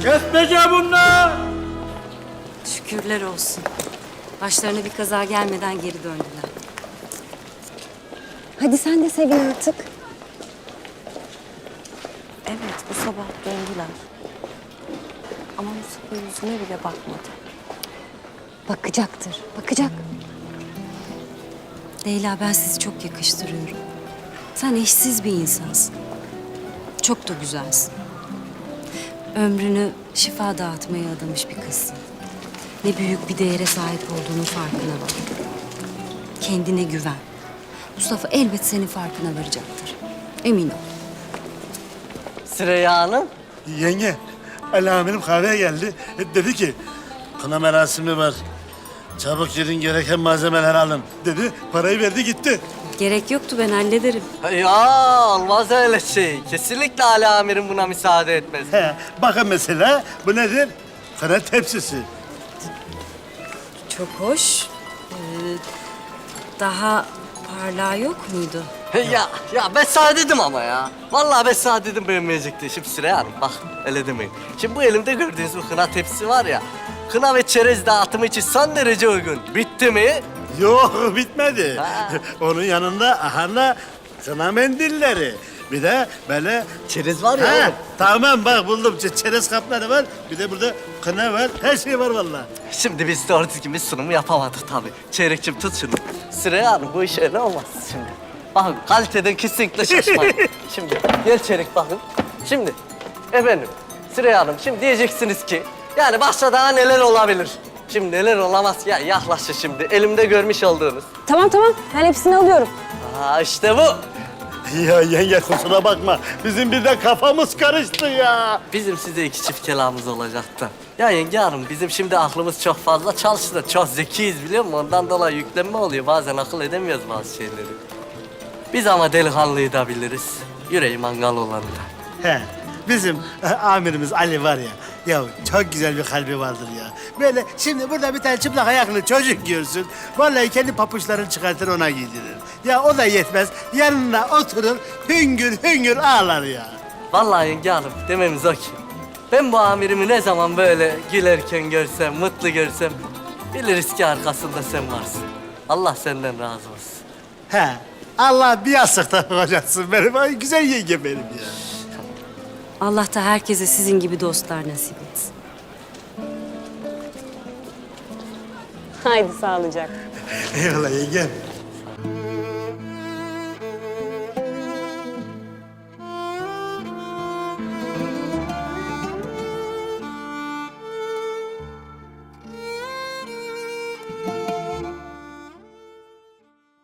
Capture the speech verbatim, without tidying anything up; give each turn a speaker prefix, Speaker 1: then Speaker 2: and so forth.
Speaker 1: Kesmece bunlar.
Speaker 2: Şükürler olsun. Başlarına bir kaza gelmeden geri döndüler.
Speaker 3: Hadi sen de sevin artık.
Speaker 2: Evet, bu sabah döndüler. Ama Mustafa yüzüme bile bakmadı.
Speaker 3: Bakacaktır, bakacak.
Speaker 2: Leyla, ben sizi çok yakıştırıyorum. Sen eşsiz bir insansın. Çok da güzelsin. Ömrünü şifa dağıtmaya adamış bir kızsın. Ne büyük bir değere sahip olduğunun farkına var. Kendine güven. Mustafa elbet senin farkına varacaktır. Emin ol.
Speaker 4: Süreyya Hanım.
Speaker 1: Yenge, Ali amirim kahveye geldi. Dedi ki, kına merasimi var. Çabuk gidin, gereken malzemeleri alın dedi. Parayı verdi gitti.
Speaker 2: Gerek yoktu, ben hallederim.
Speaker 4: Ya olmaz öyle şey. Kesinlikle Ali amirim buna müsaade etmez.
Speaker 1: He, bakın mesela bu nedir? Kına tepsisi.
Speaker 2: Çok hoş. Ee, daha parlağı yok muydu?
Speaker 4: Ya ya ben sana dedim ama ya. Vallahi ben sana dedim beğenmeyecekti. Şimdi Süreyya Hanım bak öyle demeyin. Şimdi bu elimde gördüğünüz bu kına tepsisi var ya. Kına ve çerez dağıtımı için son derece uygun. Bitti mi?
Speaker 1: Yok, bitmedi.
Speaker 4: Ha.
Speaker 1: Onun yanında ahana kına mendilleri. Bir de böyle...
Speaker 4: Çerez var ya
Speaker 1: Ha,
Speaker 4: oğlum.
Speaker 1: tamam bak buldum. Ç- Çerez kapları var. Bir de burada kına var. Her şey var vallahi.
Speaker 4: Şimdi biz doğru düzgün bir sunumu yapamadık tabii. Çeyrekçim tut şunu. Süreyya Hanım bu iş öyle olmaz şimdi. Bakın kaliteden kesinlikle şaşmayın. Şimdi gel Çeyrek bakın. Şimdi efendim Süreyya Hanım şimdi diyeceksiniz ki yani başta daha neler olabilir? Şimdi neler olamaz ya yaklaşın şimdi elimde görmüş olduğunuz.
Speaker 3: Tamam tamam, ben hepsini alıyorum.
Speaker 4: Aa işte bu.
Speaker 1: Ya yenge kusura bakma. Bizim bir de kafamız karıştı ya.
Speaker 4: Bizim size iki çift kelamımız olacaktı. Ya yenge hanım bizim şimdi aklımız çok fazla çalıştı. Çok zekiyiz biliyor musun? Ondan dolayı yüklenme oluyor. Bazen akıl edemiyoruz bazı şeyleri. Biz ama delikanlıyı da biliriz. Yüreği mangal olanı da.
Speaker 1: He, bizim e, amirimiz Ali var ya. Ya çok güzel bir kalbi vardır ya. Böyle şimdi burada bir tane çıplak ayaklı çocuk görsün. Vallahi kendi papuçlarını çıkartır ona giydirir. Ya o da yetmez. Yanına oturur hüngür hüngür ağlar ya.
Speaker 4: Vallahi yenge hanım dememiz o ki. Ben bu amirimi ne zaman böyle gülerken görsem, mutlu görsem... ...biliriz ki arkasında sen varsın. Allah senden razı olsun.
Speaker 1: He, Allah bir yastıkta kocatsın benim. Ay güzel yenge benim ya.
Speaker 2: Allah da herkese sizin gibi dostlar nasip etsin.
Speaker 3: Haydi sağlıcakla.
Speaker 1: Eyvallah yengem.